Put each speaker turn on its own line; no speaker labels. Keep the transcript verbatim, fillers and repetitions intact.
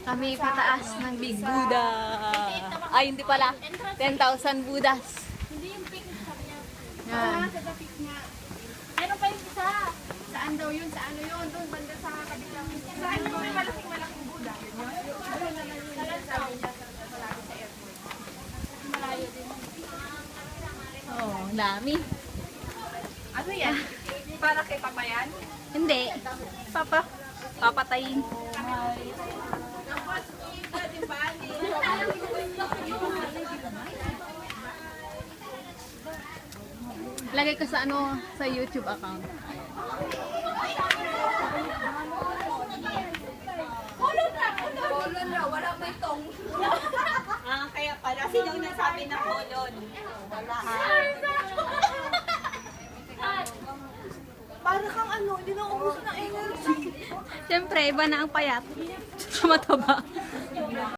Kami pataas ng Big Buddha. Ay, hindi pala. ten thousand Buddhas.
Hindi yung pink.
Yan.
Sa pink nga. Meron pa yung isa. Saan daw yun? Sa ano yun? Doon, banda sa kabilang. Saan yung may malaking malaking Buddha? Ano na lang yun? Sabi niya sa palagi sa airport. Malayo din.
Oh, dami.
Ano yan? Para kay Papa yan?
Hindi. Papa. Papatayin. Lagay ko sa ano, sa YouTube account.
Kolon raw, wala may tong.
Ah, kaya pala. Sino yung nasabi na kolon? Wala ha.
Para kang ano, hindi na ubuso ng energy.
Siyempre, iba na ang payat. Mataba.